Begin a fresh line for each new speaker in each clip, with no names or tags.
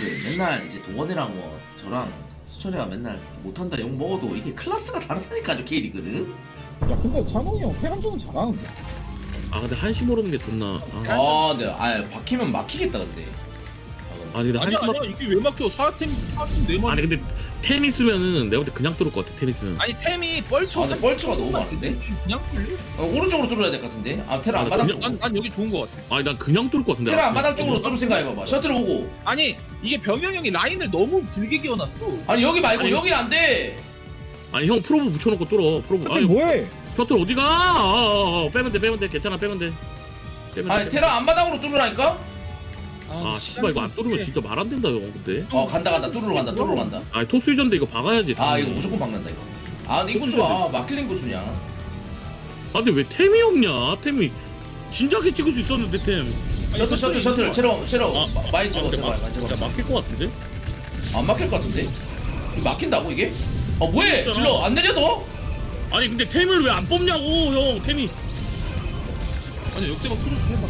여러분들 맨날 이제 동원이랑 뭐 저랑 수철이가 맨날 못한다 욕 먹어도 이게 클래스가 다르다니까 저 K리그는.
야 근데 찬홍이 형 페란전은 잘하는데.
아 근데 한시 모르는 게 좋나.
근데 박히면 막히겠다 근데.
아니 근데
아니야
한시
아니야 이게 왜 막혀? 4템 4템
아니 근데 템 있으면은 내가 볼 때 그냥 뚫을 것 같아. 템 있으면.
아니 템이 뻘쳐.
근데 뻘츠가 너무 많은데?
그냥 뚫려?
오른쪽으로 뚫어야 될 것 같은데? 테라 앞마당
그냥-
쪽으로.
난 여기 좋은 거 같아.
아니 난 그냥 뚫을 것 같은데.
테라 앞마당 쪽으로 뚫을 생각해봐봐. 셔틀 오고.
아니 이게 병영 형이 라인을 너무 길게 끼워놨어.
아니 여기 말고
아니,
여긴 안 돼.
아니 형 프로브 붙여놓고 뚫어. 프로브.
아니 뭐해?
셔틀 어디가? 빼면 돼. 괜찮아 빼면 돼. 빼면
아니
돼.
테라 앞마당으로 뚫으라니까?
아 씨발 이거 안 뚫으면 진짜 말 안 된다 형 근데.
간다 뚫으러 간다.
아니 토스 유전데 이거 박아야지.
이거 무조건 박는다 이거. 근데 인구수가 막힐 인구수냐?
아 근데 왜 템이 없냐? 템이 진작에 찍을 수 있었는데 템.
셔틀 체로 많이 찍어
근데
제발 많이
야,
찍어.
막힐 것 같은데?
안 막힐 것 같은데? 이거 막힌다고 이게? 뭐해?
진짜나?
질러 안 내려도?
아니 근데 템을 왜 안 뽑냐고 형 템이.
아니 역대박 뚫어도 해봐.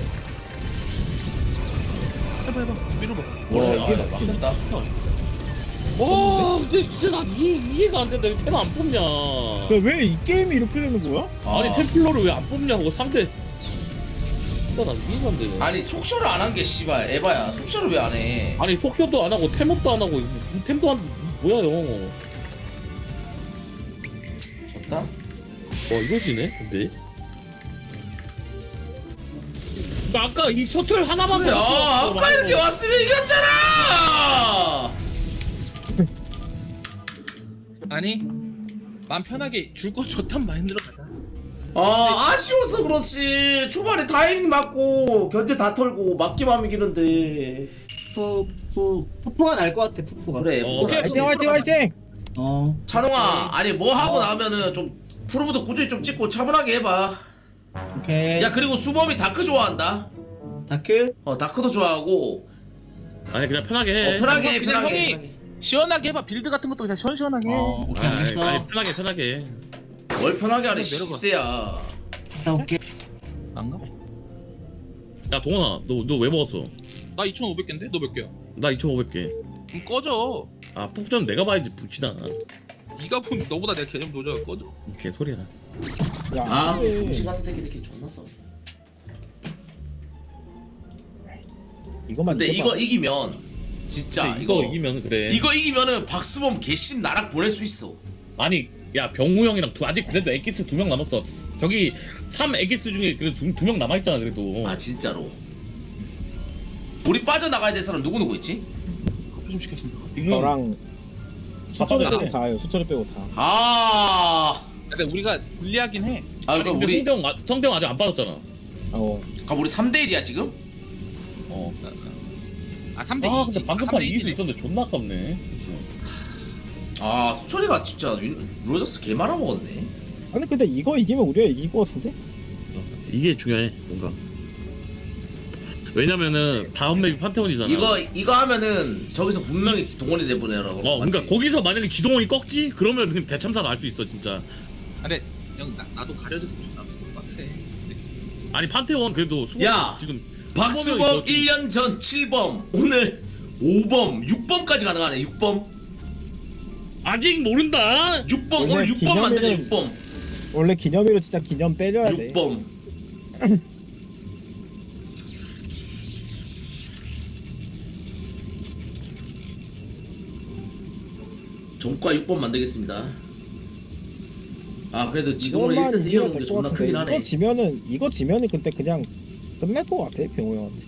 해봐 밀어봐.
뭐래? 막혔다.
와 근데 진짜 난 이해가 안 된다. 템 안 뽑냐?
왜 이 게임이 이렇게 되는 거야?
아니 템플러를 왜 안 뽑냐고 상대. 진짜 난 이해가 안 되네.
아니 속셔를 안 한 게 씨발 에바야. 속셔를 왜 안 해?
아니 속효도 안 하고 템업도 안 하고 템도 안 뭐야 형.
졌다?
와 이거지네 근데. 아까 이 셔틀 하나만
그래, 아까 이렇게 왔으면 이겼잖아.
아니 맘 편하게 줄 거 좋단 마인드로 가자.
아쉬워서 그렇지. 초반에 타이밍 맞고 견제 다 털고 막기만 하면 이기는데.
푸푸가 날 것 같아. 푸푸가.
그래.
오케이,
화이팅!
찬홍아, 아니 뭐 하고 나면은 좀 프로브도 꾸준히 좀 찍고 차분하게 해봐.
오케이.
야 그리고 수범이 다크 좋아한다.
다크.
다크도 좋아하고.
아니 그냥 편하게 해.
편하게 해,
그냥
편하게.
형이
편하게.
시원하게 해봐. 빌드 같은 것도 그냥 시원시원하게 해.
오케이 알겠어.
아니 편하게.
뭘 편하게 하래
내려가.
십세야.
오케이.
안 가?
야 동원아 너 왜 먹었어?
나 2,500개인데? 너 몇 개야?
나 2,500개.
그럼 꺼져.
아 푸전 내가 봐야지 붙이다.
네가 본 너보다 내 개념 노져가 꺼져.
개소리야.
야,
정신 같은 새끼들끼리 존나 써.
이거만
근데
이겨봐.
이거 이기면 진짜
근데 이거 이기면 그래.
이거 이기면은 박수범 개심 나락 보낼 수 있어.
아니 야 병우 형이랑 아직 그래도 엑기스 2명 남았어. 저기 3 엑기스 중에 그래도 2명 남아있잖아 그래도.
진짜로. 우리 빠져나가야 될 사람 누구 있지?
커피 좀 시켰습니다.
지금
너랑 수철이
바빠져.
빼고 다예요. 수철이 빼고 다.
근데 우리가 불리하긴 해.
아니,
그럼
근데
우리
성대형 아직 안 빠졌잖아.
그럼 우리 3대1이야 지금?
어.
3대2.
아 근데 방금 판 이길 수 있었는데 존나 아깝네. 그치?
수철이가 진짜 루저스 개 말아먹었네.
아니 근데 이거 이기면 우리가 이길 것 같은데?
이게 중요해 뭔가. 왜냐면은 다음 맵이 판테온이잖아.
이거 하면은 저기서 분명히 동원이 돼보내라고.
그러니까 거기서 만약에 지동원이 꺾지? 그러면 그냥 대참사가 알 수 있어 진짜.
근데 형 나도 가려져서 무슨 나도 빡세.
아니 판테온 그래도 수범
야!
지금
박수범 1년 전 7범 오늘 5범 6범까지 가능하네. 6범
아직 모른다.
6범
원래
오늘 6범 만드자.
기념일은
6범
원래 기념일로 진짜 기념 때려야 돼.
6범 정과 6범 만들겠습니다. 그래도 지동원
이것만
1세트
이기면
이겨놓은 게
될 것
존나 크긴
같은데
하네.
이거 지면은 근데 그냥 끝날 것 같아 병호 형한테.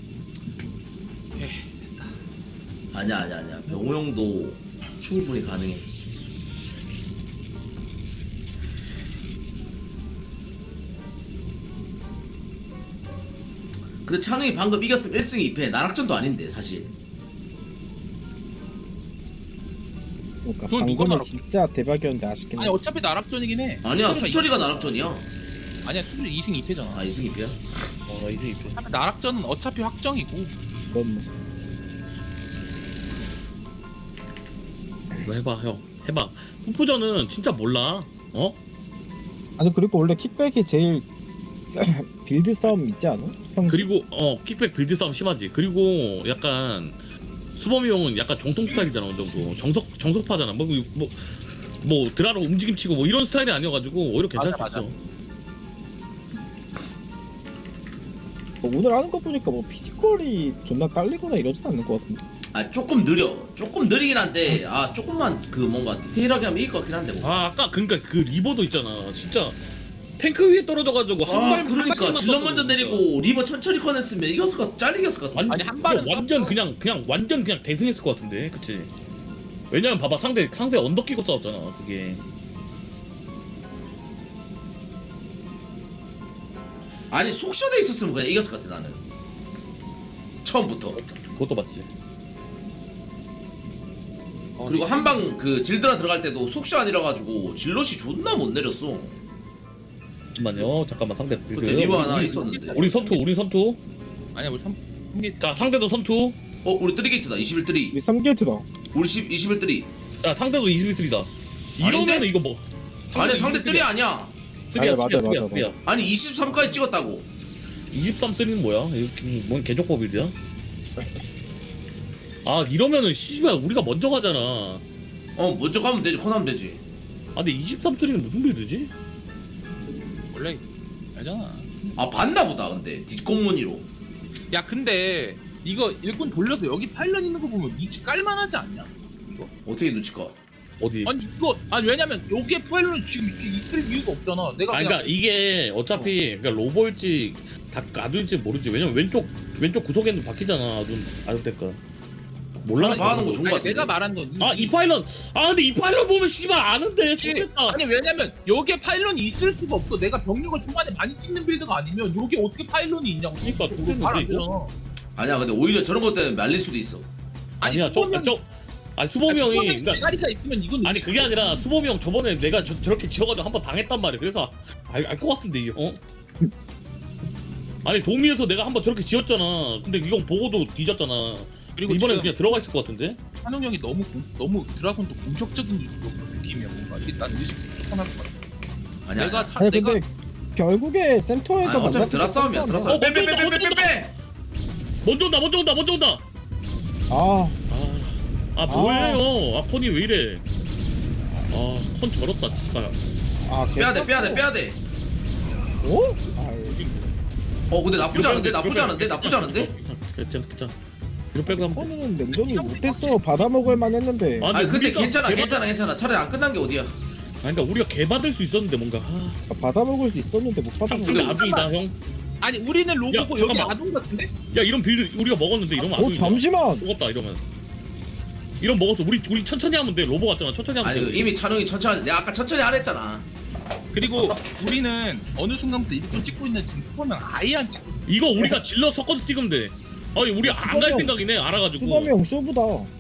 아니야 병호 형도 충분히 가능해. 근데 찬웅이 방금 이겼으면 1승 2패 나락전도 아닌데 사실.
그러니까
그건 누가
방금은
말하고
진짜 대박이었는데 아쉽긴
아니
해.
어차피 나락전이긴 해.
아니야 수철이가 나락전이야.
아니야 수철이 2승 2패잖아.
2승 2패야?
나 이제 입혀.
어차피 나락전은 어차피 확정이고.
그건 뭐.
이거 해봐 형 해봐. 푸푸전은 진짜 몰라.
아니 그리고 원래 킥백이 제일 빌드 싸움 있지 않아? 평소?
그리고 킥백 빌드 싸움 심하지. 그리고 약간 수범이 형은 약간 정통 스타일이잖아 어느 정도 정석파잖아 뭐 드라로 움직임 치고 뭐 이런 스타일이 아니어가지고 오히려 괜찮을 수
맞아,
있어.
뭐 오늘 하는 거 보니까 뭐 피지컬이 존나 딸리거나 이러진 않는 것 같은데.
아 조금 느리긴 한데 아 조금만 그 뭔가 디테일하게 하면 이길 것 같긴 한데 뭐.
아 아까 그러니까 그 리버도 있잖아 진짜 탱크 위에 떨어져가지고
그러니까 질럿 먼저 내리고 리버 천천히 꺼냈으면 이겼을 것 잘리 이겼을 것 같은데.
아니, 한 발은
완전 그냥 완전 그냥 대승했을 것 같은데 그치? 왜냐면 봐봐 상대 언덕 끼고 싸웠잖아 그게.
아니 속셔돼 있었으면 그냥 이겼을 것 같아 나는. 처음부터.
그것도 맞지.
그리고 한방 그 질드라 들어갈 때도 속셔 아니라 가지고 질럿이 존나 못 내렸어.
잠깐만 상대
그때 리버 하나 있었는데.
우리 선투
아니야 우리 3개
자 상대도 선투.
우리 3게이트다 21
우리 3게이트다.
우리 21
자 상대도 21이다. 이러면은
아닌데?
이거 뭐
아니 상대 3이 아니야.
아니, 맞아.
아니 23까지 찍었다고.
23쓰리는 뭐야? 이거 뭔 개족법 빌드야? 아 이러면은 씨발 우리가 먼저 가잖아.
먼저 가면 되지. 코나면 되지.
아 근데 23쓰리는 무슨 빌드지?
원래 알잖아.
아 봤나 보다 근데 뒷공무니로.
야 근데 이거 일꾼 돌려서 여기 파일럿 있는 거 보면 위치 깔만하지 않냐?
어떻게 눈치까?
어디?
아니 이거 왜냐면 여기에 파일럿 지금 있을 이유가 없잖아. 내가
아
그냥
그러니까 이게 어차피 그러니까 로버일지 아두일지 모르지. 왜냐면 왼쪽 구석에는 바뀌잖아. 아두 때까. 몰라.
하는 거 좋은 거
아니,
같은데.
내가 말한 건
이 파일럿. 아 근데 이 파일럿 보면 씨발 아는데.
그치?
좋겠다.
아니 왜냐면 여기에 파일럿이 있을 수가 없어. 내가 병력을 중간에 많이 찍는 빌드가 아니면 여기 어떻게 파일럿이 있냐고.
그러니까 좋겠는데,
말안
이거?
되잖아.
아니야 근데 오히려 저런 것 때문에 말릴 수도 있어.
아니야 아니 수범이 형이 그러니까
대가리가 있으면 이건
아니 그게 아니라 수범이 형 저번에 내가 저렇게 지어가지고 한번 당했단 말이야. 그래서 알 것 같은데 이게 아니 도미에서 내가 한번 저렇게 지었잖아. 근데 이건 보고도 뒤졌잖아.
그리고
이번엔
지금
그냥 들어가 있을 것 같은데?
한웅 형이 너무 드라곤도 공격적인 느낌이야 뭔가. 이게 난 의식 조금할 것 같아.
아니야.
내가
아니 근데 결국에 센터에서
아니, 어차피
만났을
드라
때
싸움이야. 드라 싸움. 빼빼빼빼빼빼.
먼저 온다.
아
아 뭐예요? 폰이 왜 이래? 폰 저렇다 진짜.
빼야 돼.
어? 아이,
근데 나쁘지 않은데?
괜찮아. 뒤로 빼고 한번.
폰은 냉정이 못했어. 받아먹을 만했는데.
아니 근데
우리가
괜찮아. 차라리 안 끝난 게 어디야?
아니 그러니까 우리가 개 받을 수 있었는데 뭔가.
받아먹을 수 있었는데 못 받아먹을.
상대
근데
아중이다 형.
아니 우리는 로보고
야,
여기
잠깐만.
아둔 같은데?
야 이런 빌드 우리가 먹었는데 이러면 아중이다.
잠시만.
먹었다 이러면. 이런 먹었어. 우리 천천히 하면 돼. 로보 같잖아. 천천히 하면
아니
돼.
이미 찬웅이 천천히 내가 아까 천천히 안 했잖아.
그리고 우리는 어느 순간부터 일꾼 찍고 있는 지금 수범형 아예 안 찍고.
이거 우리가 질러 섞어서 찍으면 돼. 아니 우리 안 갈 생각이네. 알아가지고.
수범이 형 쇼부다.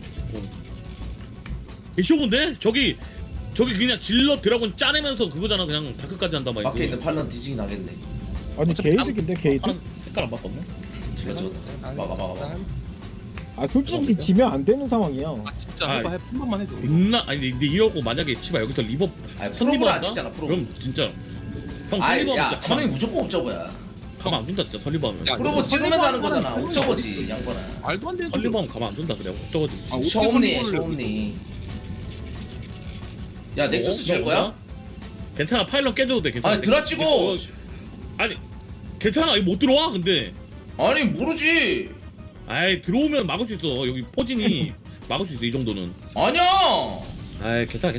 쇼인데 저기 그냥 질러 드라곤 짜내면서 그거잖아. 그냥 다크까지 한단 말이야.
밖에 있는 팔런 뒤지기 나겠네.
아니
어차피
게이드인데 게이드?
파란 색깔 안 바꿨네.
막아.
아 솔직히 지면 안 되는 상황이야.
아 진짜
아,
해봐 한 번만 해도.
아니 근데 이러고 만약에 치바 여기서 리버
아니
선리버
프로브는 안
한다?
찍잖아 프로.
그럼 진짜 형
아야
선리버
찬웅이 무조건 옵저버야.
가만 안 둔다 진짜 선리버 하면.
야,
프로브 찍으면서 하는 거잖아. 옵저버지 양반아.
말도 안 되는
선리버 하면 가만 안 둔다 그래. 저거지.
아, 어떻게
셔옴니.
선리버를
야 넥서스 질 거야?
괜찮아 파일럿 깨져도 돼. 괜찮아.
아니 드라 찍어.
아니 괜찮아. 이거 못 들어와 근데.
아니 모르지.
아이 들어오면 막을 수 있어. 여기 포진이 막을 수 있어 이 정도는.
아니야.
아이 괜찮아.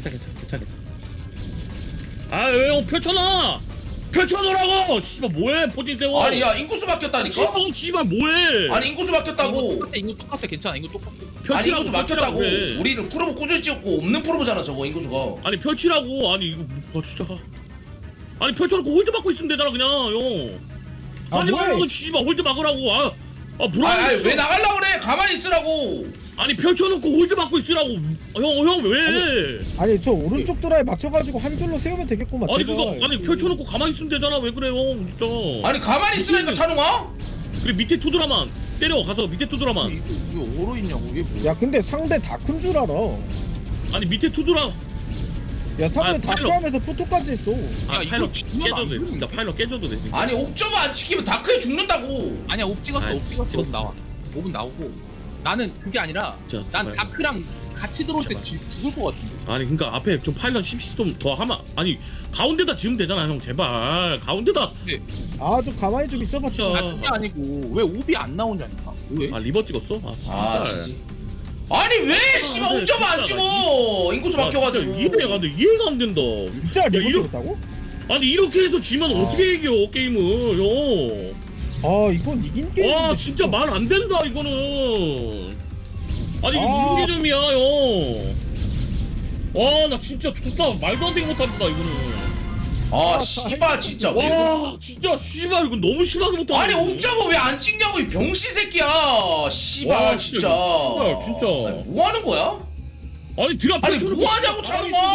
아왜 형 펼쳐놓으라고. 씨발 뭐해 포진 세워.
아니 야 인구수 바뀌었다니까.
씨발 뭐해.
아니 인구수 바뀌었다고.
이거 똑같아 괜찮아 이거 똑같아.
아니 인구수 바뀌었다고.
그래.
우리는 프로브 꾸준히 찍었고 없는 프로브잖아 저거 인구수가.
아니 펼치라고. 아니 이거 진짜. 아니 펼쳐놓고 홀드 막고 있으면 되잖아 그냥 형.
아,
하지
뭐해?
말라고 씨발 홀드 막으라고. 불안해.
아니 왜 나가려고 그래? 가만히 있으라고.
아니 펼쳐놓고 홀드 막고 있으라고. 형 왜?
아니 저 오른쪽 드라에 맞춰가지고 한 줄로 세우면 되겠구만.
아니
제발.
그거 아니 펼쳐놓고 가만히 있으면 되잖아. 왜 그래 형 진짜.
아니 가만히 있으라니까 찬웅아.
그래 밑에 투드라만 때려 가서 밑에 투드라만.
이거 오로 있냐고 이게 뭐야?
야 근데 상대 다 큰 줄 알아.
아니 밑에 투드라.
야 상대
아,
다
파일럿.
하면서 포토까지 했어.
야, 이거
파일럿
진짜
깨져도
안
돼.
되는데?
진짜 파일럿 깨져도 돼. 진짜.
아니 옵저버 안 지키면 다크에 죽는다고.
아니야 옵 찍었어
아이,
옵 찍었어.
찍었어.
옵 나와. 옵은 나오고. 나는 그게 아니라
진짜
난
제발.
다크랑 같이 들어올 때
제발.
죽을 것 같은데.
아니 그러니까 앞에 좀 파일럿 10시 좀 더 하면 아니 가운데다 지으면 되잖아 형 제발 가운데다
아 좀 가만히 좀 있어봐
진짜.
아 그게 아니고 왜 오비 안 나오냐니까. 왜?
아 리버 찍었어?
아
진짜.
지지. 아니 왜 씨발
근데
옥점 안
진짜
찍어? 인구수 막혀가지고.
이해가 안 돼. 이해가 안 된다.
진짜 리버
이러-
찍었다고?
아니 이렇게 해서 지면 어떻게 이겨 게임을 형.
아 이건 이긴 게임.
와 진짜 말 안 된다 이거는. 아니 이게
아.
무슨 개념이야 형. 와 나 진짜 좋다 말도 안 되게 못한다 이거는.
아 씨발 진짜 왜?
와 진짜 씨발 이거 너무 심하게 못한다.
아니 옥점은 왜 안 찍냐고 이 병신 새끼야. 씨발
와,
진짜.
진짜. 진짜.
아니, 뭐 하는 거야?
아니 드랍
아니
펼쳐놓고
뭐 하냐고 차는 거.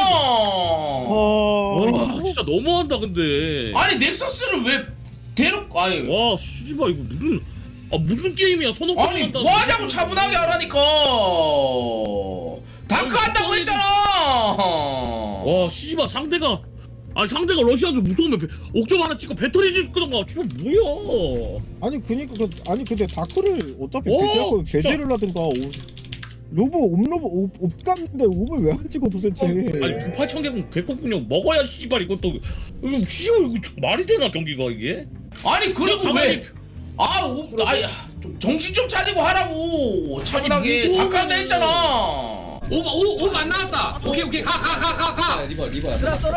와 진짜 너무한다 근데.
아니 넥서스를 왜 대놓고 아니
와 씨발 이거 무슨 게임이야 선호.
아니 뭐 하냐고 차분하게 하라니까. 다크 한다고 했잖아.
와 씨발 상대가 러시아도 무서우면 옥점 하나 찍고 배터리 찍던가 지금 뭐야.
아니 그니까 아니 근데 다크를 어차피
오,
배제하고
진짜.
배제를 하든가 옵 갔는데 옵을 왜 안 찍어 도대체?
아니 8,000개국 개국군요 먹어야 씨발 이것도 이거 씨발 이거 말이 되나 경기가 이게?
아니 그리고
가만히-
왜? 아니 좀 정신 좀 차리고 하라고. 차분하게
아니,
다크 한다 했잖아.
오 안 나왔다. 오케이 가.
리버야.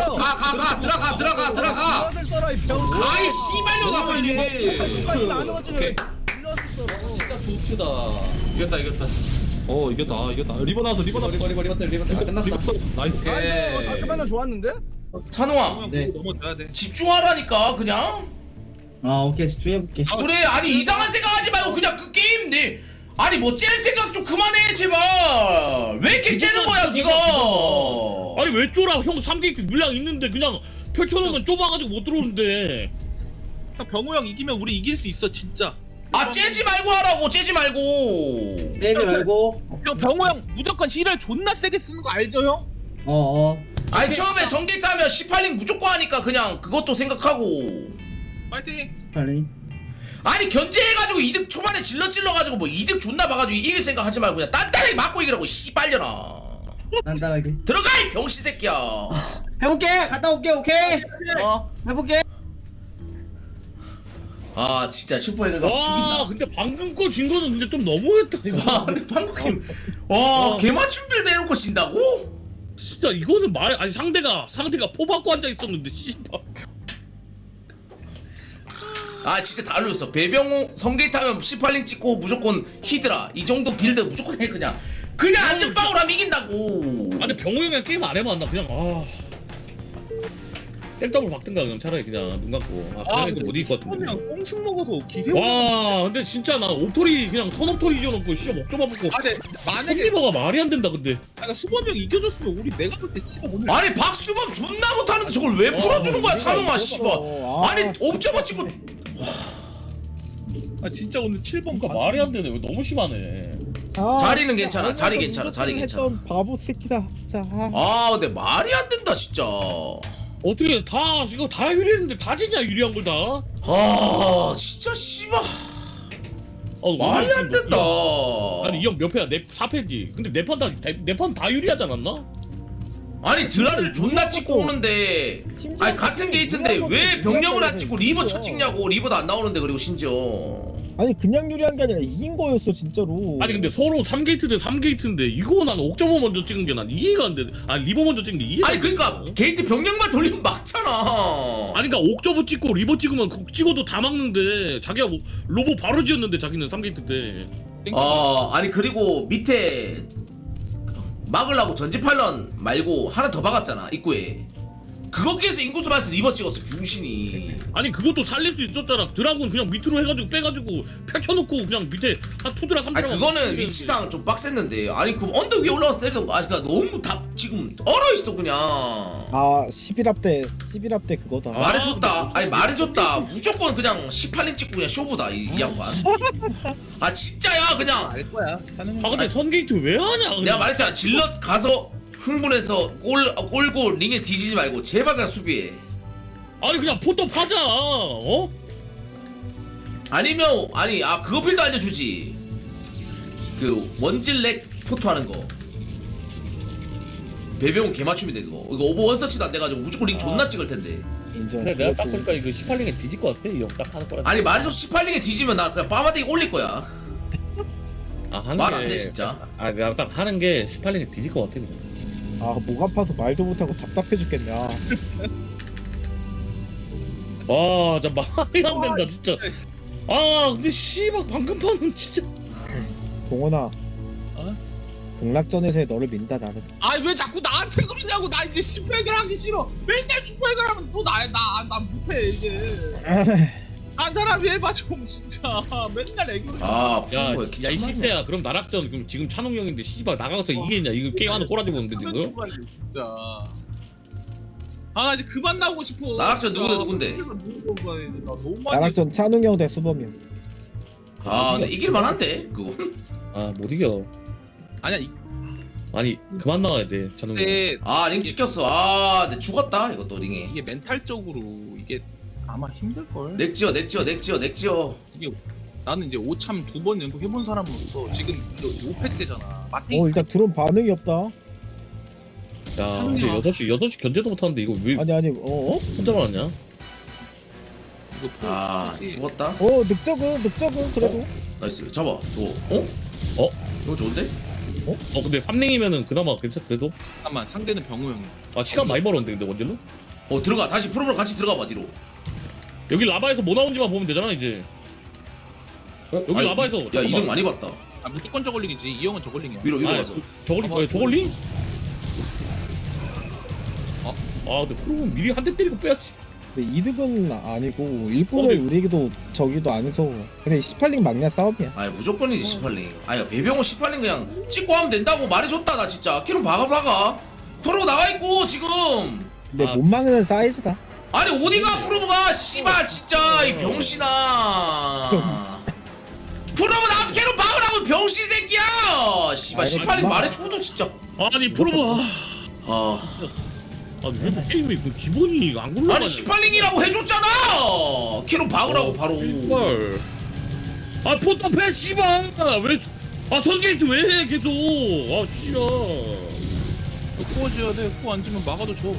들어가. 가이 씨발려다 빨리. 오케이.
진짜 좋다.
이겼다.
이겼다. 리버 나왔어. 리버
끝났다.
나이스.
오케이.
좋았는데?
찬호아
형
네.
그거 넘어져야 돼.
집중하라니까 그냥.
아 오케이 집중해볼게.
그래 아니 이상한 생각하지 말고 그냥 그 게임 내. 아니 뭐 짤 생각 좀 그만해 제발. 왜 이렇게 째는 거야 네가?
아니 왜 쫄아 형 3게이트 물량 있는데 그냥 펼쳐놓으면 좁아가지고 못 들어오는데.
형 병호 형 이기면 우리 이길 수 있어 진짜.
아 째지 말고 하라고 째지 말고.
떼지 말고.
형 병호 형 무조건 힐을 존나 세게 쓰는 거 알죠 형?
어어.
아니 처음에 성게이트 하면 18링 무조건 하니까 그냥 그것도 생각하고.
파이팅.
빨리.
아니 견제해가지고 이득 초반에 질러가지고 뭐 이득 존나 봐가지고 이길 생각 하지 말고 그냥 단단하게 맞고 이기라고 씨발려나.
간단하게.
들어가 이 병신 새끼야.
해볼게. 갔다 올게. 오케이. 해볼게.
아 진짜 슈퍼헤드가
와
죽인다.
근데 방금 거 진 거는 근데 좀 너무했다 이거.
와 근데 방금 게임 와 개맞춤 빌드 해놓고 진다고?
진짜 이거는 아니 상대가 포 받고 앉아 있었는데 씨발.
아 진짜 다 알려줬어. 배병호 성게이트 하면 18링 찍고 무조건 히드라 이 정도 빌드 무조건 해 그냥 안전빵으로 하면 이긴다고.
아니 병호 형이랑 게임 안 해봤나 그냥 땡더블 박든가 그냥 차라리 그냥 눈 감고 그냥 못 이길 것 같은데.
형 꽁승 먹어서 기세오.
와 근데 진짜 나 옥토리 그냥 선옥토리 지어놓고 씨발 목좀 아프고
아 근데 만약에
선리버가 말이 안 된다 근데.
내가 수범이 형 이겨줬으면 우리 내가 볼 때 씨발 오늘
아니 박수범 존나 못하는데 저걸 왜 풀어주는 거야 찬웅아 씨발. 아니 옵저버 찍고
아 진짜 오늘 7번
그러니까 말이 안 되네 왜 너무 심하네.
자리는 괜찮아, 자리 괜찮아, 자리 괜찮아.
했던 바보 새끼다 진짜.
아 근데 말이 안 된다 진짜.
어떻게 이거 다 유리했는데 다 지냐 유리한 걸 다.
아 진짜 씨발 말이 안 된다.
아니 이 형 몇 패야? 4패지. 근데 내 판 다 유리하지 않았나?
아니 드라를 존나 찍고 오는데 아니 같은 게이트인데 왜 병력을 안 찍고 리버 쳐 찍냐고. 리버도 안 나오는데 그리고 심지어
아니 그냥 유리한 게 아니라 이긴 거였어 진짜로.
아니 근데 서로 3게이트 대 3게이트인데 이거 난 옥저버 먼저 찍은 게 난 이해가 안 돼. 아니 리버 먼저 찍은 게 이해가
아니
안 돼.
그니까 게이트 병력만 돌리면 막잖아.
아니 그니까 옥저버 찍고 리버 찍으면 찍어도 다 막는데 자기가 뭐 로보 바로 지었는데 자기는 3게이트 때.
아니 그리고 밑에 막으려고 전지팔런 말고 하나 더 박았잖아 입구에. 그거께서 인구수 봐서 리버 찍었어 병신이.
아니 그것도 살릴 수 있었잖아. 드라군 그냥 밑으로 해가지고 빼가지고 펼쳐놓고 그냥 밑에 한 2드라 3드라.
아니 그거는 위치상 좀 빡셌는데. 아니 그럼 언덕 위에 올라가서 때리던가. 아니 그니까 너무 다 지금 얼어있어 그냥.
아 11합 때 그거다.
말해줬다. 아니 말해줬다. 무조건 그냥 18인 찍고 그냥 쇼부다 이 양반. 아 진짜야 그냥.
알 거야.
아 근데 선게이트 왜 하냐? 그냥.
내가 말했잖아. 질럿 가서 흥분해서 꼴고 링에 뒤지지 말고 제발 그냥 수비해.
아니 그냥 포터 파자. 아니
아니면 그거 빌드 알려주지. 그 원질렉 포토 하는 거 배병은 개맞춤인데 그거 이거 오버 원서치도 안 돼가지고 무조건 링 존나 찍을 텐데.
인정.
근데 내가 딱
그것도-
보니까 이거 18링에 뒤질 것 같아 이 형 딱 하는 거라.
아니 말해줘서 18링에 뒤지면 나 그냥 빠마대기 올릴 거야.
아 하는
말
게
안 돼 진짜.
아 내가 딱 하는 게 18링에 뒤질 것 같아 그냥.
목 아파서 말도 못하고 답답해 죽겠네.
와 진짜 말이 안 된다 진짜. 아 근데 씨발 방금 판은 진짜.
동원아.
어?
극락전에서의 너를 민다 나는.
아 왜 자꾸 나한테 그러냐고. 나 이제 슈퍼 해결하기 싫어. 맨날 슈퍼 해결하면 또 나 못해 이제. 한 사람이 해봐 좀 진짜. 맨날 애교를.
아 프로모에
야이
기침하네.
시대야 그럼 나락전 그럼 지금 찬웅 형인데 씨발 나가서 이기겠냐 이거 게임 하는 꼬라지 보는데 지금.
진짜. 아 나 이제 그만 나오고 싶어.
나락전 누군데?
나 너무 많이.
나락전 찬웅 형 대 수범이 형.
아 근데 이길만한데 그거.
아못 이겨.
아니야
아니 그만 나와야 돼 찬웅 형.
이때
아링 찍혔어. 아 근데 죽었다 이것도 링에.
이게 멘탈적으로 이게 아마 힘들 걸.
넥지어.
이게 나는 이제 오참 2번 연속 해본 사람으로서 지금 5패째잖아. 마탱이
일단 드론 반응이 없다.
야 근데 6시 견제도 못하는데 이거 왜
아니
혼자만 왔냐?
이거
아
포-
죽었다.
늑적은 그래도.
나이스 잡아. 저거
어?
이거 좋은데?
근데 3링이면은 그나마 괜찮 그래도.
잠깐만 상대는 병우 형이.
아 시간 많이 벌었는데 근데 원질로?
들어가 다시 프로모랑 같이 들어가봐 뒤로.
여기 라바에서 뭐 나온지만 보면 되잖아 이제. 여기
아니,
라바에서
야
잠깐만.
이름 많이 봤다.
아 무조건 저걸링이지. 이 형은 저걸링이야.
위로 가서.
저걸링? 아 근데 그러면 미리 한 대 때리고 빼야지.
근데 이득은 아니고 일꾼을 우리도 저기도 안 해서 그냥 18링 막냐 싸움이야.
아니 무조건이지 18링. 아니 배병호 18링 그냥 찍고 하면 된다고 말해줬다 나 진짜. 키로 박아. 프로 나와있고 지금.
근데
아.
못 막는 사이즈다.
아니 어디가 프로브가 씨발 진짜 이 병신아. 프로브 나와서 걔로 박으라고 병신 새끼야. 씨발
아니,
18링
그만.
말해줘도 진짜.
아니 프로가
아
왜 게임이 그 기본이 안 굴러가냐?
아니 18링이라고 해줬잖아. 키로 박으라고 바로.
씨발. 아 포탑해 씨발 왜? 아 선게이트 왜 해 계속? 아 씨발.
코어 지어야 돼. 코어 안 지면 막아도 줘.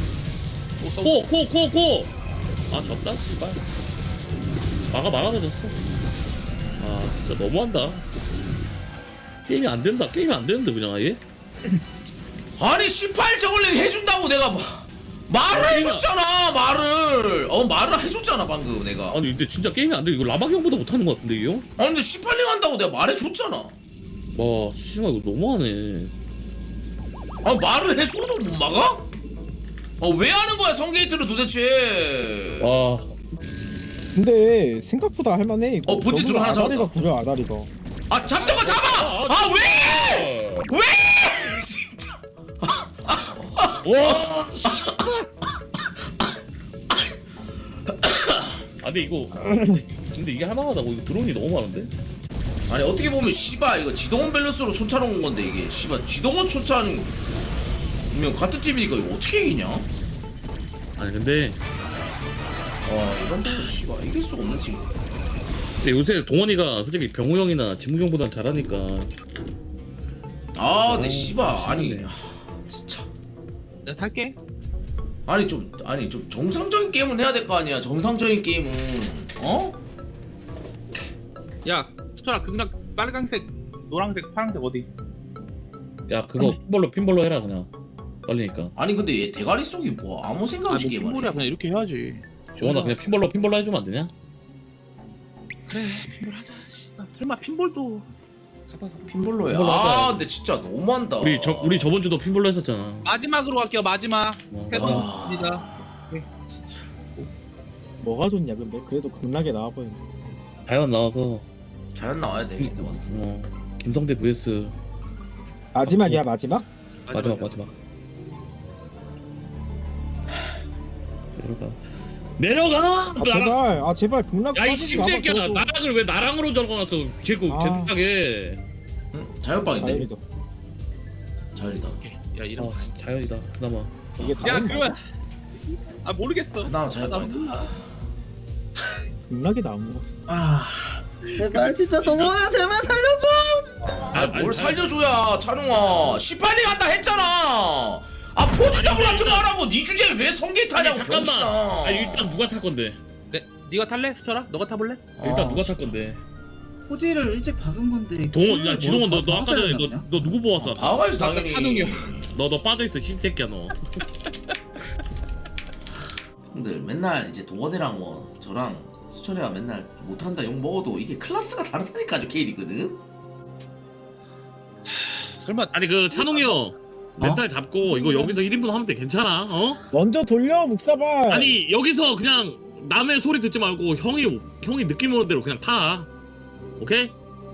코. 아 졌다 씨발. 막아서 졌어. 아 진짜 너무한다. 게임이 안 되는데 그냥 아예.
아니 18 저걸링 해준다고 내가 말을 해줬잖아. 말을 해줬잖아 방금 내가.
아니 근데 진짜 게임이 안 돼. 이거 라박 형보다 못하는 것 같은데 이 형?
아니 근데 18링 한다고 내가 말해줬잖아.
와 씨발 이거 너무하네.
아 말을 해줘도 못 막아? 왜 하는 거야 성게이트를 도대체?
와
근데 생각보다 할만해. 이거.
본진 드론 하나
아다리가
잡았다.
구려 아다리가.
아 잡던 거 잡아! 아 왜! 왜! 진짜.
와. 아 근데 이거 근데 이게 할만하다고. 이거 드론이 너무 많은데?
아니 어떻게 보면 씨발 이거 지동원 밸런스로 손차는 온 건데 이게 씨발 지동원 손차는 같은 팀이니까 이거 어떻게 이기냐?
아니 근데
이런 거 씨발 이길 수가 없는 팀.
근데 요새 동원이가 솔직히 병우 형이나 진무 형보단 잘하니까.
근데 씨발 아니 진짜
내가 탈게.
아니 좀 정상적인 게임은 해야 될 거 아니야. 정상적인 게임은
야 수철아 극락 빨간색, 노란색, 파란색 어디?
야 그거 핀볼로 해라 그냥. 빨리니까.
아니 근데 얘 대가리 속이 뭐 아무 생각 없이 게임하네.
핀볼이야 그냥 이렇게 해야지.
동원아 그냥 핀볼로 해주면 안 되냐?
그래 핀볼 하자. 씨발. 설마 핀볼도 가봐.
핀볼로야.
핀볼로 하자.
근데 진짜 너무한다.
우리 저번 주도 핀볼로 했었잖아.
마지막으로 갈게요. 마지막. 세
아.
번입니다.
뭐가 좋냐 근데 그래도 극락에 나와버렸네.
자연 나와서
자연 나와야 돼. 근데 봤어.
김성대 vs
마지막이야 마지막?
마지막. 내려가.
제발 극락
야이
빠지지 마봐,
씹새끼야.
그래도.
나락을 왜 나랑으로 적어놨어? 제 생각에.
응? 자연빵인데.
다행이다.
자연이다.
야 이런.
자연이다. 그나마.
이게
야
다른
그러면 모르겠어.
그나마 자연빵이다.
극락이 나온 거 같아.
제발 진짜 동원아 제발 살려줘.
뭘 살려줘야 찬웅아 18리 간다 했잖아. 아 포지더블 같은 거 하라고. 니 주제에 왜 성게 타냐고
잠깐만.
병신아.
아니 일단 누가 탈 건데?
네가 탈래? 수철아? 너가 타볼래?
일단 누가 탈
진짜.
건데?
포지를 일찍 박은 건데.
동원, 야 지동원 너 아까 전에 너 누구 보았어?
봐가지고 당연히.
찬웅이 형.
너 빠져 있어 씹새끼야 너.
형들 맨날 이제 동원이랑 뭐 저랑 수철이가 맨날 못한다 욕 먹어도 이게 클래스가 다르다니까 아주 K리거든.
설마
아니 그 찬웅이 형 멘탈 잡고 이거 여기서 1인분 하면 돼 괜찮아? 어?
먼저 돌려 묵사발.
아니 여기서 그냥 남의 소리 듣지 말고 형이 느낌 오는 대로 그냥 타. 오케이?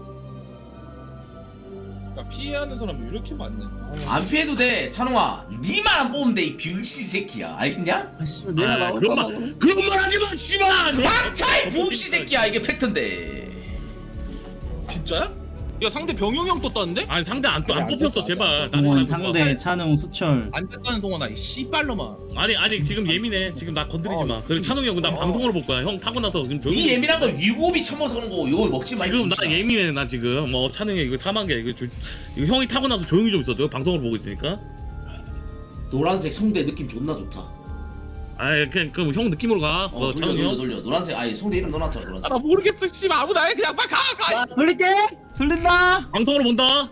피해하는 사람이 이렇게 많네.
안 피해도 돼 찬웅아. 니만 안 뽑으면 돼 이 병신 새끼야. 알겠냐?
아씨 내가 나올까
그런
봐.
말 하지 마 씨발.
닥차이 병신 새끼야. 이게 팩트인데.
진짜야? 야 상대 병용이 형 떴다는데?
아니 상대 안 뽑혔어 제발.
동원 상대 찬웅 수철.
안 떴다는 동안 이 씨발로만.
아니 지금 예민해. 지금 나 건드리지 마. 그리고 찬웅이 형 나 방송으로 볼 거야. 형 타고 나서 지금 조용히.
이 예민한 건 위고비 처먹어서 그런 거 이거 먹지 마. 이
지금 나
병신아.
예민해 나 지금. 뭐 찬웅이 이거 3만 개 이거 형이 타고 나서 조용히 좀 있어줘. 방송으로 보고 있으니까.
노란색 성대 느낌 존나 좋다.
아이 그냥 그럼 형 느낌으로 가.
돌려
찬웅이 형.
돌려. 노란색 아니 성대 이름 넣어놨잖아 노란색.
나 모르겠어 씨발 아무나 해 그냥 빨리 가.
자 돌릴게. 돌린다.
방송으로 본다.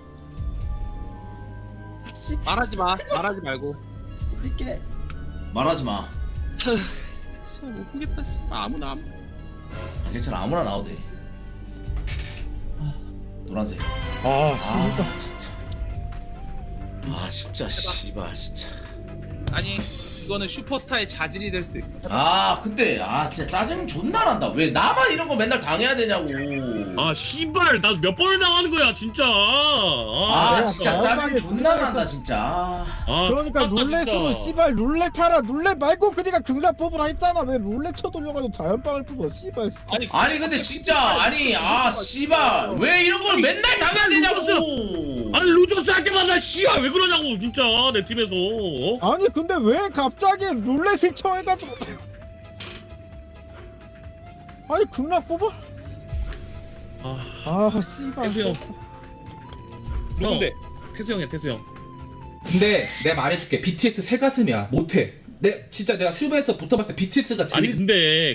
말하지 마. 말하지 말고.
돌릴게.
말하지 마.
못 보겠다 씨발 아무나.
아, 괜찮아 아무나 나와도 돼. 노란색.
아 씨발.
아 진짜. 아 진짜 씨발 진짜.
아니 이거는 슈퍼스타의 자질이 될 수도 있어.
아 근데 아 진짜 짜증 존나 난다. 왜 나만 이런 거 맨날 당해야 되냐고.
아 씨발 나 몇 번을 나가는 거야 진짜.
아 진짜 짜증 존나 난다 진짜.
아,
그러니까
X같다,
룰렛으로
진짜.
씨발 룰렛 하라. 룰렛 말고 그니까 극락 뽑으라 했잖아. 왜 룰렛 쳐 돌려가지고 자연빵을 뽑아 씨발.
아니
아니 근데 진짜 아니 아 씨발 왜 이런 걸 맨날 당해야 되냐고.
아니 루저스 할 때마다 씨발 왜 그러냐고 진짜 내 팀에서. 어?
아니 근데 왜 갑자기 룰렛을 쳐해가지고. 아니 극락 뽑아? 아 씨발.
태수 형.
누군데?
태수 형이야 태수 형.
근데 내가 말해줄게. BTS 새 가슴이야. 못해. 진짜 내가 슈베에서 붙어봤을 때 BTS가 제일
아니 근데